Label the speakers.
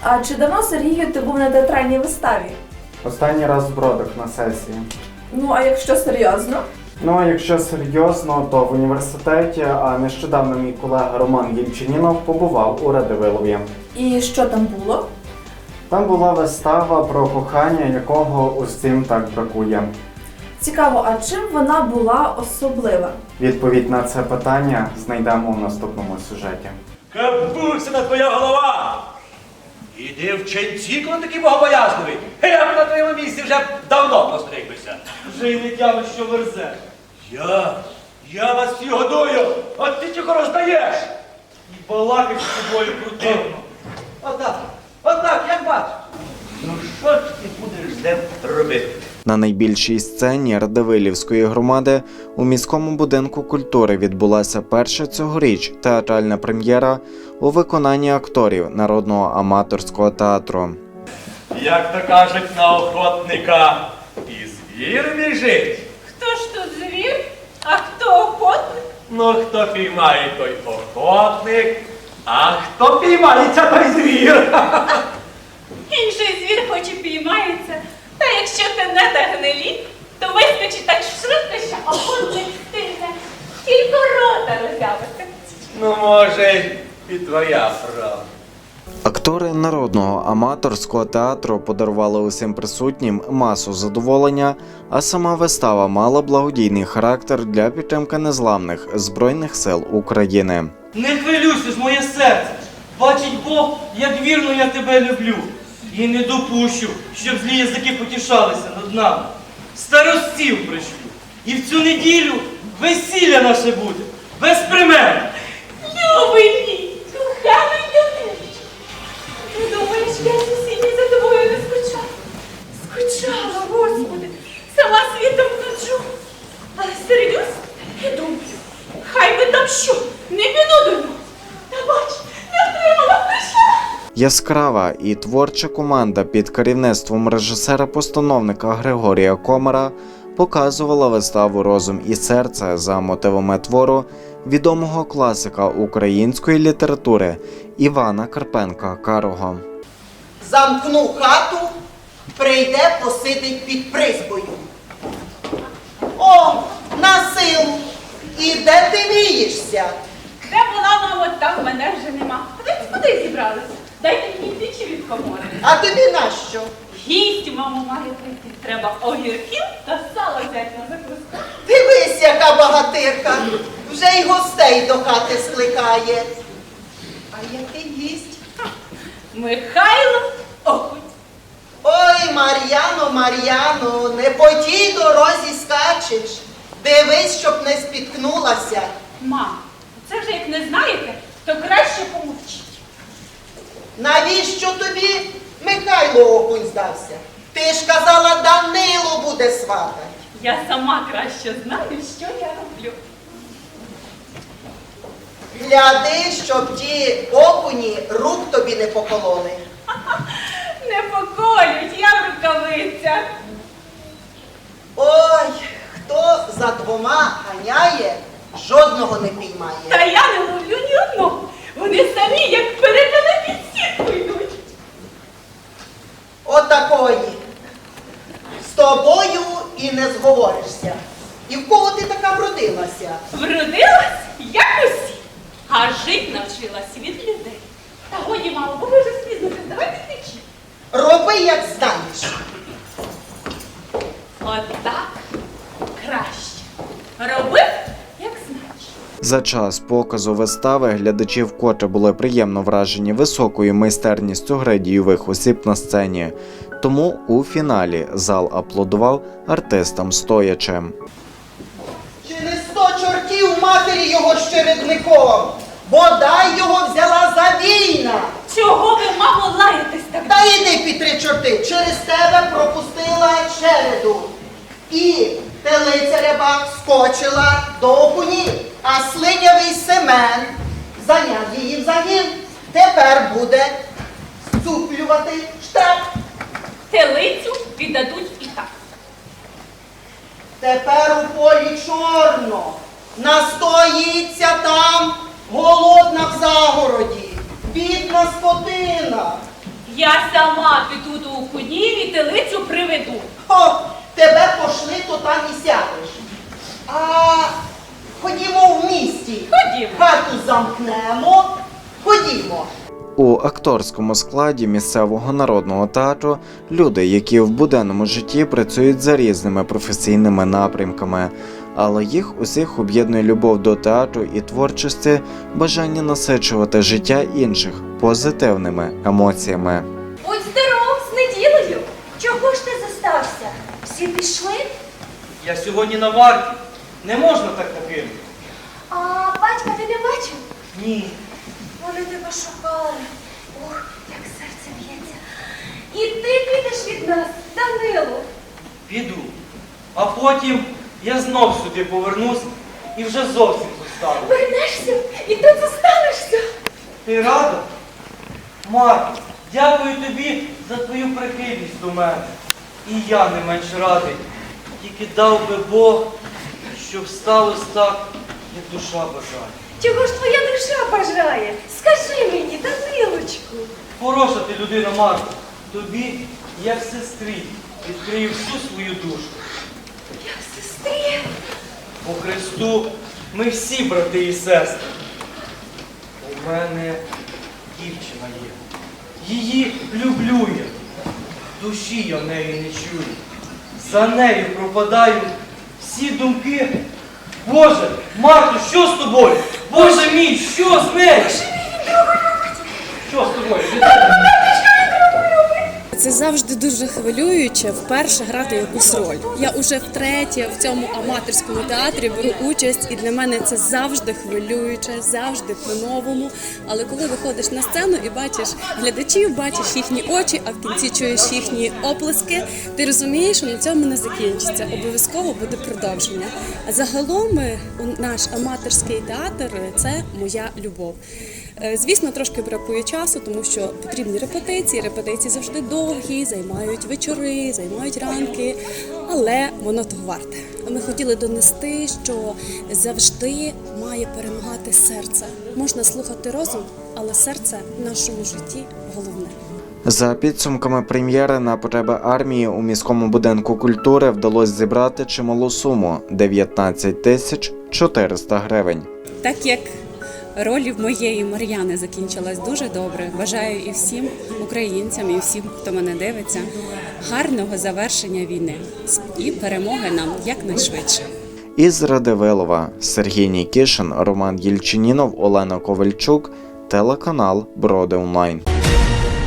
Speaker 1: А чи давно, Сергію, ти був на театральній виставі?
Speaker 2: Останній раз в Бродах на сесії.
Speaker 1: Ну, а якщо серйозно?
Speaker 2: Ну, а якщо серйозно, то в університеті, а нещодавно мій колега Роман Єльчинінов побував у Радивилові.
Speaker 1: І що там було?
Speaker 2: Там була вистава про кохання, якого усім так бракує.
Speaker 1: Цікаво, а чим вона була особлива?
Speaker 2: Відповідь на це питання знайдемо у наступному сюжеті.
Speaker 3: Капусина твоя голова! Іди в ченці, коли такий богобоязливий. Я б на твоєму місці вже давно постригбився.
Speaker 4: Вже й не тямиш, що верзе.
Speaker 3: Я вас всі годую, от ти тільки роздаєш.
Speaker 4: І балакать з тобою противно.
Speaker 3: Отак, як бачиш. Ну що ж ти будеш з ним робити?
Speaker 2: На найбільшій сцені Радивилівської громади у міському будинку культури відбулася перша цьогоріч театральна прем'єра у виконанні акторів Народного аматорського театру.
Speaker 3: Як то кажуть на охотника, і звір біжить.
Speaker 5: Хто ж тут звір, а хто охотник?
Speaker 3: Ну, хто піймає, той охотник, а хто піймається, той звір.
Speaker 5: Інший звір хоч і піймається, та якщо ти не та гнилі, то вискочить так швидко, що охотник стигне, тільки рота роззявиться.
Speaker 3: Ну, може, і твоя правда.
Speaker 2: Актори Народного аматорського театру подарували усім присутнім масу задоволення, а сама вистава мала благодійний характер для підтримки незламних Збройних сил України.
Speaker 4: Не хвилюйся ж, моє серце. Бачить Бог, як вірно я тебе люблю. І не допущу, щоб злі язики потішалися над нами. Старостів пришлю. І в цю неділю весілля наше буде. Без примен.
Speaker 5: Любий мій, коханий донечко. Ти думаєш, я сусідні за тобою не скучала? Скучала, Господи, сама світом ходжу. Але серйозно, я думаю, хай би там що, не піду до нього. Та бач, не втримала, прийшла.
Speaker 2: Яскрава і творча команда під керівництвом режисера-постановника Григорія Комара показувала виставу «Розум і серце» за мотивами твору відомого класика української літератури Івана Карпенка-Карого.
Speaker 6: Замкну хату, прийде, посидить під призбою. О, на силу! І де ти вієшся?
Speaker 5: Де була, мамо, там мене вже нема. Куди зібралися? Дайте мені тичі від комори.
Speaker 6: А тобі нащо?
Speaker 5: Гість, мамо, має прийти. Треба огірків та сало взяти на закуску.
Speaker 6: Дивись, яка багатирка, вже й гостей до хати скликає. А який гість?
Speaker 5: Михайло Окунь.
Speaker 6: Ой, Мар'яно, Мар'яно, не по тій дорозі скачеш. Дивись, щоб не спіткнулася.
Speaker 5: Мам, це вже як не знаєте, то краще помовчіть.
Speaker 6: Навіщо тобі Михайло Окунь здався? Ти ж казала, Данило буде сватать.
Speaker 5: Я сама краще знаю, що я роблю.
Speaker 6: Гляди, щоб ті окуні рук тобі не покололи.
Speaker 5: Не поколють, я в рукавицях.
Speaker 6: Ой, хто за двома ганяє, жодного не піймає.
Speaker 5: Та я не ловлю ні одного. Вони самі, як перетяли під сітку йдуть.
Speaker 6: Отакої. З тобою і не зговоришся. І в кого ти така вродилася?
Speaker 5: Вродилась, як усі, а жить навчилась від людей. Та годі, мамо, бо ви вже спізнитесь, давайте течі.
Speaker 6: Роби, як знаєш.
Speaker 5: Отак краще. Робив, як знаєш.
Speaker 2: За час показу вистави глядачі вкотре були приємно вражені високою майстерністю гри дійових осіб на сцені. Тому у фіналі зал аплодував артистам стоячи.
Speaker 6: Чи не 100 чортів матері його з чередником? Бодай його взяла за війна.
Speaker 5: Чого ви, мамо, лаєтесь так?
Speaker 6: Та йди під 3 чорти, через тебе пропустила череду. І телиця рябак скочила до окунів, а слинявий Семен зайняв її в загін. Тепер буде зцуплювати штраф.
Speaker 5: Телицю віддадуть і так.
Speaker 6: Тепер у полі чорно, настоїться там голодна в загороді, бідна скотина.
Speaker 5: Я сама піду до окунів і телицю приведу.
Speaker 6: О, тебе пошли, то там і сядеш. А ходімо в місті.
Speaker 5: Ходімо.
Speaker 6: Хату замкнемо. Ходімо.
Speaker 2: У акторському складі місцевого народного театру люди, які в буденному житті працюють за різними професійними напрямками, але їх усіх об'єднує любов до театру і творчості, бажання насичувати життя інших позитивними емоціями.
Speaker 5: Будь здоров, з неділею. Чого ж ти зостався? Всі пішли?
Speaker 4: Я сьогодні на варті. Не можна так покинути.
Speaker 5: А батька ти не бачив?
Speaker 4: Ні.
Speaker 5: Вони тебе шукали. Ох, як серце б'ється. І ти підеш від нас, Данило.
Speaker 4: Піду. А потім я знов сюди повернусь і вже зовсім зостану.
Speaker 5: Вернешся і тут зостанешся.
Speaker 4: Ти рада? Марко, дякую тобі за твою прихильність до мене. І я не менш радий. Тільки дав би Бог, щоб сталося так, як душа бажає.
Speaker 5: Чого ж твоя душа бажає? Скажи мені, Данилочку.
Speaker 4: Хороша ти людина, Марко. Тобі, як сестрі, відкрию всю свою душу.
Speaker 5: Як сестрі.
Speaker 4: По Христу ми всі брати і сестри. У мене дівчина є. Її люблю я. Душі я неї не чую. За нею пропадаю всі думки. Боже, Марко, що з тобою? Боже мій, що з нею? Що з тобою?
Speaker 7: Це завжди дуже хвилююче вперше грати якусь роль. Я уже втретє в цьому аматорському театрі беру участь, і для мене це завжди хвилююче, завжди по-новому. Але коли виходиш на сцену і бачиш глядачів, бачиш їхні очі, а в кінці чуєш їхні оплески, ти розумієш, що на цьому не закінчиться. Обов'язково буде продовження. А загалом наш аматорський театр – це моя любов. Звісно, трошки бракує часу, тому що потрібні репетиції. Репетиції завжди довгі, займають вечори, займають ранки, але воно того варте. Ми хотіли донести, що завжди має перемагати серце. Можна слухати розум, але серце в нашому житті головне.
Speaker 2: За підсумками прем'єри на потреби армії у міському будинку культури вдалося зібрати чималу суму – 19 400 гривень.
Speaker 7: Так як роль моєї Мар'яни закінчилась дуже добре, бажаю і всім українцям, і всім, хто мене дивиться, гарного завершення війни і перемоги нам якнайшвидше.
Speaker 2: Із Радивилова Сергій Нікішин, Роман Єльчинінов, Олена Ковальчук, телеканал Броди Онлайн.